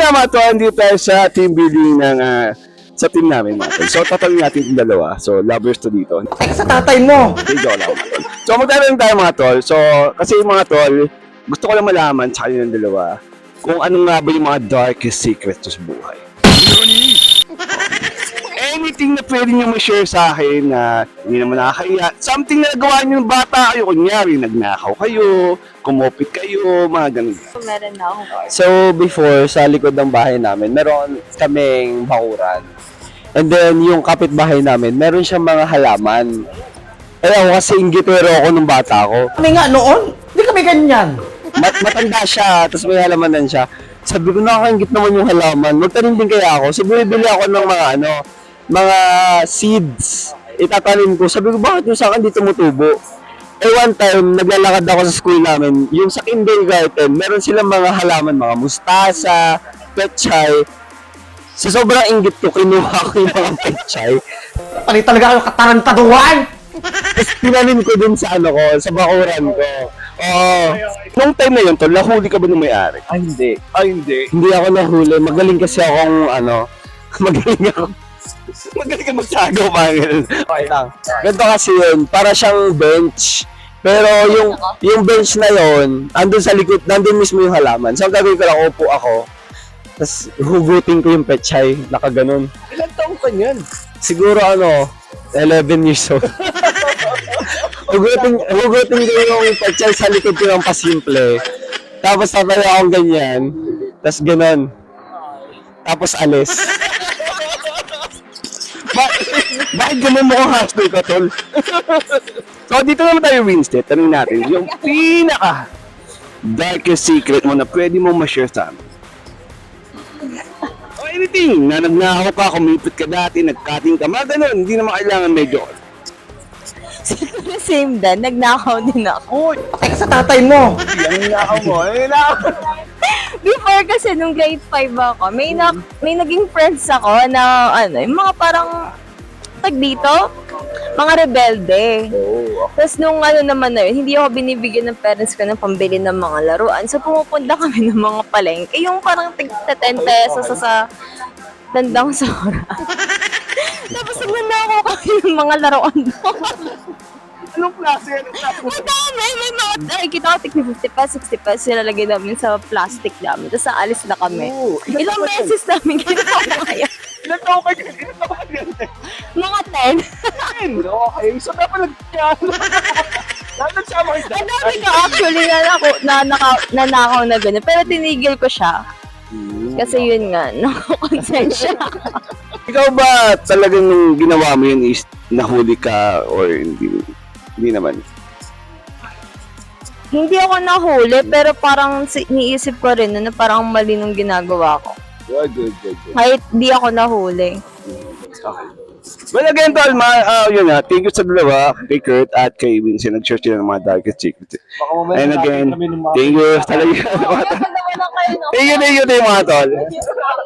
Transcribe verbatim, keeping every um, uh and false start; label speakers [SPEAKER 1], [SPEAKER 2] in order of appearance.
[SPEAKER 1] nga mga tol, hindi tayo sa team building ng ah, sa team namin mga tol. So tatanungin natin yung dalawa. So lovers to dito.
[SPEAKER 2] Teka sa tatay mo!
[SPEAKER 1] Hindi, joke lang mga tol. So magtatanong tayo mga tol. So kasi yung mga tol, gusto ko lang malaman sa kanilang dalawa kung ano nga ba yung mga darkest secrets sa buhay. Anything na pwede nyo ma-share sa akin na hindi naman nakakaya. Something na nagawa nyo ng bata kayo. Kunyari, nagnakaw kayo, kumopit kayo, mga ganun.
[SPEAKER 3] Meron na ako.
[SPEAKER 2] So, before, sa likod ng bahay namin, meron kaming bakuran. And then, yung kapitbahay namin, meron siyang mga halaman. Eh, ako kasi inggitero ako nung bata ko.
[SPEAKER 4] Kami nga noon, hindi kami ganyan.
[SPEAKER 2] Mat matanda siya, tapos may halamanan siya. Sabi ko, nakakaingit naman yung halaman. Magtanim din kaya ako. So, bumibili ako ng mga ano, mga seeds. Itatanim ko. Sabi ko, bakit yung sa akin di tumutubo? Eh, one time, naglalakad ako sa school namin. Yung sa kindergarten, meron silang mga halaman, mga mustasa, petchay. Sa sobrang inggit ko, kinuha ko yung mga petchay.
[SPEAKER 4] Pali talaga kayo katarantaduhan!
[SPEAKER 2] Tapos tinanim ko dun sa ano ko, sa bakuran ko. Oo.
[SPEAKER 1] Nung time na yun, tol, nahuli ka ba ng may-ari?
[SPEAKER 2] Ay, hindi.
[SPEAKER 1] Ay, hindi.
[SPEAKER 2] Hindi ako nahuli. Magaling kasi akong, ano, magaling ako.
[SPEAKER 1] Magaling ka magsago, mga ganun.
[SPEAKER 2] Okay lang. Ganito kasi yun, para siyang bench. Pero yung yung bench na yun, andun sa likod, nandun mismo yung halaman. So, ang gagawin ko lang, upo ako. Tapos, hugutin ko yung petchay, nakaganon.
[SPEAKER 1] Ilan taong ka niyan?
[SPEAKER 2] Siguro ano, eleven years old. hugutin, hugutin ko yung petchay sa likod ko ng pasimple. Tapos, tatayo akong ganyan. Tapos, ganon. Tapos, alis.
[SPEAKER 1] Ba- Bakit ganun mo kong hashtag ka, tol? So, dito naman tayo, Winston. Tanong natin, yung pinaka darkest secret mo na pwede mo ma-share sa amin. O anything, na nagnakaw ka, kumipit ka dati, nagcutting ka, mga ganun. Hindi naman kailangan medyo.
[SPEAKER 3] Siguro same din, nagnakaw din ako.
[SPEAKER 4] Teka sa tatay mo!
[SPEAKER 1] Yan nakaw mo, eh, nakaw.
[SPEAKER 3] Before kasi nung grade five ako, may na, may naging friends ako na ano, yung mga parang tag dito, mga rebelde.
[SPEAKER 1] Oh,
[SPEAKER 3] Tapos nung ano naman na yun, hindi ako binibigyan ng parents ko ng pambili ng mga laruan. So pumupunta kami ng mga palengke, yung parang tig ten pesos sa, sa tandang sora. Tapos nagnanakaw kami ng mga laruan doon.
[SPEAKER 1] anong klase? Anong klase?
[SPEAKER 3] Ang dami! May mga, nakikita ko, tig fifty pesos, sixty pesos, nilalagay namin sa plastic namin. Tapos aalis na kami.
[SPEAKER 1] Oo.
[SPEAKER 3] Ilang beses namin ginawa kaya.
[SPEAKER 1] Ilan taong ka dyan? Ilan taong ka dyan?
[SPEAKER 3] Mga ten.
[SPEAKER 1] ten. Okay, so dapat nag-kyan. Dapat nagsama ka
[SPEAKER 3] Ang dami ka actually na, nako, na, naka, nanakaw na gano'n. Pero tinigil ko siya. Kasi yun nga, nakakonsensya.
[SPEAKER 1] Ikaw ba talagang nung ginawa mo yun is nahuli ka or hindi? Hindi naman.
[SPEAKER 3] Hindi ako nahuli, pero parang si- niisip ko rin na parang mali nung ginagawa ko.
[SPEAKER 1] Good, good, good, good.
[SPEAKER 3] Kahit di ako nahuli.
[SPEAKER 1] Okay. Well, again, tol, ma, uh, yun nga, thank you sa dalawa, kay Kurt at kay Vincent. Nag-share sila ng mga darkest secrets. And again, thank you talaga.
[SPEAKER 3] Kaya naman na kayo, no?
[SPEAKER 1] Thank you, thank you, thank you, mga tol.